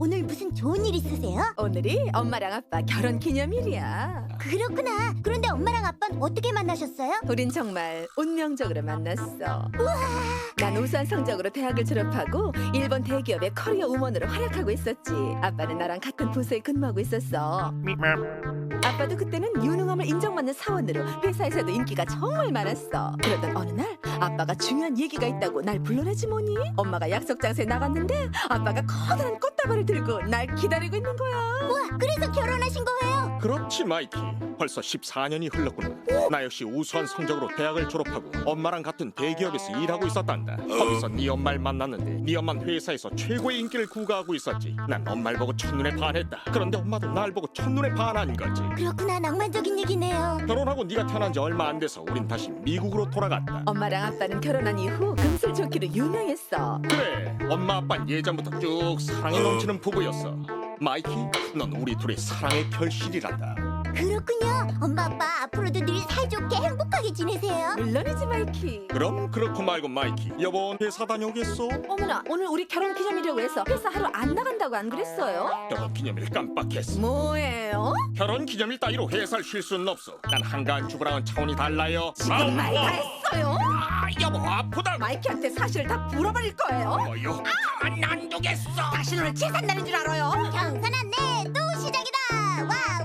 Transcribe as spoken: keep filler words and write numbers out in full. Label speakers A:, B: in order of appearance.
A: 오늘 무슨 좋은 일 있으세요?
B: 오늘이 엄마랑 아빠 결혼 기념일이야.
A: 그렇구나. 그런데 엄마랑 아빠는 어떻게 만나셨어요?
B: 우린 정말 운명적으로 만났어. 난 우수한 성적으로 대학을 졸업하고 일본 대기업의 커리어 우먼으로 활약하고 있었지. 아빠는 나랑 같은 부서에 근무하고 있었어. 아빠도 그때는 유능함을 인정받는 사원으로 회사에서도 인기가 정말 많았어. 그러던 어느 날 아빠가 중요한 얘기가 있다고 날 불러내지 뭐니? 엄마가 약속 장소에 나갔는데 아빠가 커다란 꽃다발을 들고 날 기다리고 있는 거야.
A: 와, 그래서 결혼하신 거예요?
C: 그렇지 마이키. 벌써 십사 년이 흘렀구나. 나 역시 우수한 성적으로 대학을 졸업하고 엄마랑 같은 대기업에서 일하고 있었단다. 거기서 네 엄마를 만났는데 네 엄마는 회사에서 최고의 인기를 구가하고 있었지. 난 엄마를 보고 첫눈에 반했다. 그런데 엄마도 날 보고 첫눈에 반한 거지.
A: 그렇구나. 낭만적인 얘기네요.
C: 결혼하고 네가 태어난 지 얼마 안 돼서 우린 다시 미국으로 돌아갔다.
B: 엄마랑 아빠는 결혼한 이후 금슬 좋기로 유명했어.
C: 그래, 엄마 아빠는 예전부터 쭉 사랑이 넘치는 부부였어. 마이키, 넌 우리 둘의 사랑의 결실이란다.
A: 그렇군요. 엄마 아빠 앞으로도 늘 사이좋게 행복하게 지내세요.
B: 물론이지 마이키.
C: 그럼 그렇고 말고 마이키, 여보 회사 다녀오겠어?
B: 어머나, 오늘 우리 결혼 기념일이라고 해서 회사 하루 안 나간다고 안 그랬어요?
C: 결혼 기념일 깜빡했어.
B: 뭐예요?
C: 결혼 기념일 따위로 회사를 쉴 수는 없어. 난 한가한 주부랑은 차원이 달라요.
B: 지금 말 다 했어요?
C: 아, 여보 아프다.
B: 마이키한테 사실을 다 물어버릴 거예요?
C: 뭐요? 가만 안 두겠어.
B: 당신 오늘 재산 날인 줄 알아요?
A: 경선 안내 또 시작이다. 와